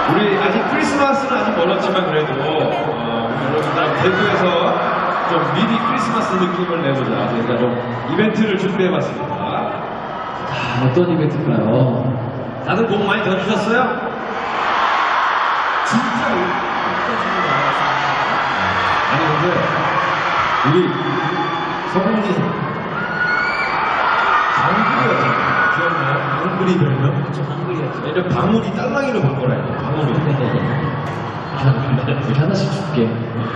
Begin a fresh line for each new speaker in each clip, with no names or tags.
우리 아직 크리스마스는 아직 멀었지만 그래도 여러분들 대구에서 좀 미리 크리스마스 느낌을 내보자. 저희가 좀 이벤트를 준비해봤습니다.
어떤 이벤트일까요?
다들 복 많이 더 주셨어요? 진짜로? 아니 근데 우리 성훈이 방울이었잖아요. 기억나요? 방울이 별명?
그쵸, 한글이었죠.
예전 방울이 딸랑이로 바꿔라요. 방울이.
이렇게 하나씩 줄게.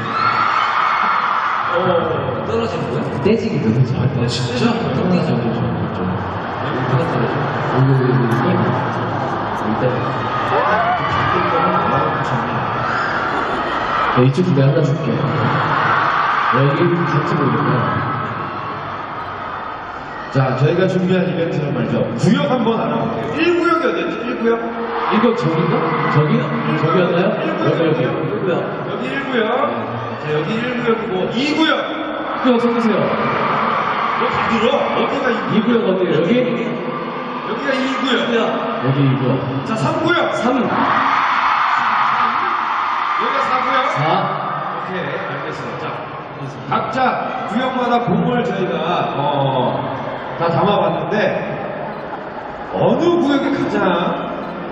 떨어지는 거야?
떼지기 떨어져.
아, 진짜?
떨어져.
누가 떨어져?
일단 이쪽 두개 하나 줄게. 여기 같이 보이구나.
자, 저희가 준비한 이벤트는 말이죠. 구역 한번 알아볼게요. 1구역이 어디였지? 1구역?
이거 저긴가? 저기였나요? 여기.
여기 1구역. 자, 여기 1구역이고 2구역.
구역 서주세요.
너 다 들어? 어디가 2구역?
2구역 어디에요? 여기?
여기가 2구역.
여기 2구역.
자, 3구역.
3.
여기가 4구역.
4.
오케이, 알겠어요. 자, 각자 구역마다 공을 저희가 다 담아봤는데 어느 구역이 가장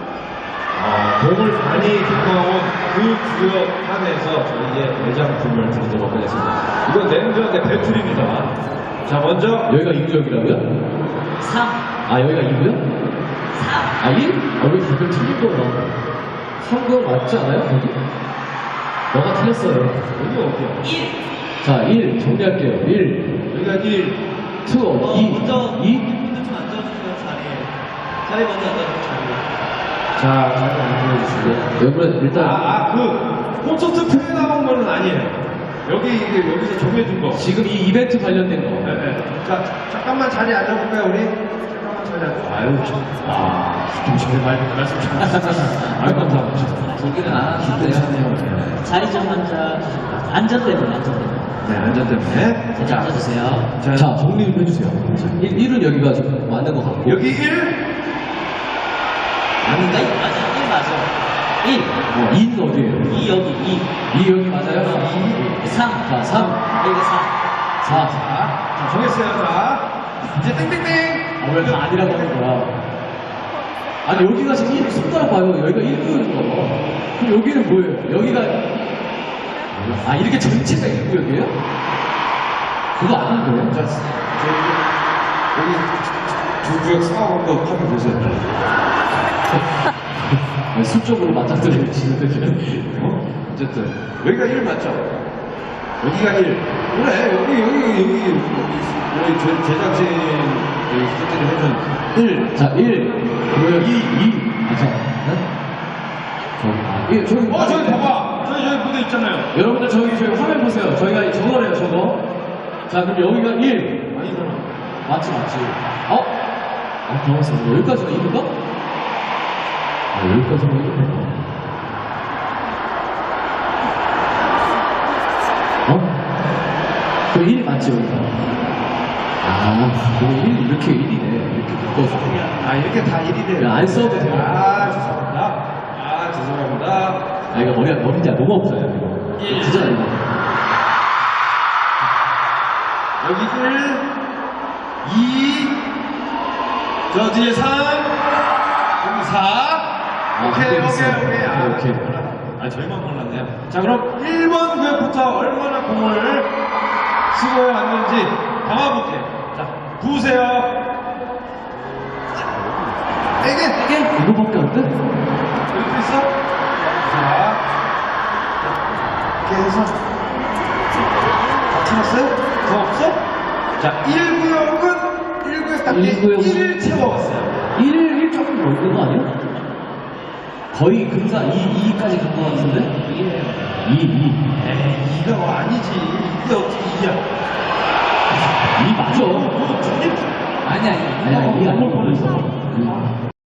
공을 많이 담아온 그 구역 안에서 저희의 매장품을 드리도록 하겠습니다. 이건 냉정하게 배틀입니다. 자, 먼저
여기가 2구역이라고요?
3.
아, 여기가 2구역?
3.
아, 1? 여기 가끔 틀린 거 봐. 3구역 맞지 않아요? 거기? 너가 틀렸어요.
여기가 어디야?
1.
자, 1 정리할게요. 1,
여기가 1.
2, 2,
먼저
2.
분들 좀 앉아주세요, 자리에. 자리에 먼저 앉아주세요, 자리에.
자, 잘 만들어주시고요.
여러분, 일단.
그 콘서트 표에 나온 거는 아니에요. 여기서 정해준 거.
지금 이 이벤트 관련된 거.
네. 자, 잠깐만 자리에 앉아볼까요, 우리? 잠깐만 자리에 앉아. 아유, 좀 전에 말씀 좀. 아유, 감사합니다.
저기는 안 하시네요. 자리 좀 앉아주시고. 안전 때문에, 안전 때문에.
네, 안전 때문에.
자, 앉아주세요.
자, 정리 좀 해주세요. 1은 여기가 좀 맞는 것 같고.
여기 1?
아닌가? 맞아, 1 맞아. 1.
2는 어디에요?
2 여기, 2.
2 여기 맞아요?
3.
자, 3.
여기 4.
4.
자, 정했어요. 자, 이제 땡땡땡.
아, 왜 다 아니라고 하는 거야? 아니, 여기가 지금 1, 손가락 봐요. 여기가 1구역인 거. 그럼 여기는 뭐예요? 여기가. 아, 이렇게 전체가 1구역이에요? 그거 아닌 거예요?
자, 여기 두 구역 싸움 한번 하면 보세요.
아니, 수적으로 맞닥뜨리고 치는데, 지금.
어쨌든 여기가 1 맞죠? 여기가 1. 그래, 여기 제작진 스태프들이 하면 1.
자, 1. 구역 2. 아, 자. 네? 저기.
저기 봐봐. 저기 무대 있잖아요.
여러분들 저희 화면 보세요. 저희가 저거래요, 저거. 자, 그럼 여기가 1.
아니잖아.
맞지. 당황했어. 여기까지가 1인가? 아, 여기까지가 1인가? 그 1 맞지, 여기가? 그거 1, 이렇게 1이네. 이렇게 묶어서.
이렇게 다 1이 돼요.
안 써도 돼요.
죄송합니다.
이거 머리가 너무 없어요, 이거.
1.
진짜 이거.
여기 1, 2, 저 뒤에 3, 여기 4. 오케이. 저희만 몰랐네요. 자, 그럼 1번 구역부터 얼마나 공을 수고해 왔는지 담아볼게요. 자, 부으세요. 이게
이거밖에 안 돼?
이렇게 있어? 자, 이렇게 해서 다 찾았어요? 더 없어? 자, 1구역 딱 1을 채워왔어요.
1 조금 넘는 거 아니야? 거의 근사 2까지 간 거 같은데? 2.
에이, 2가 아니지. 이게 어떻게 2야?
2 맞아.
모두 틀린
아니야. 2 아니야.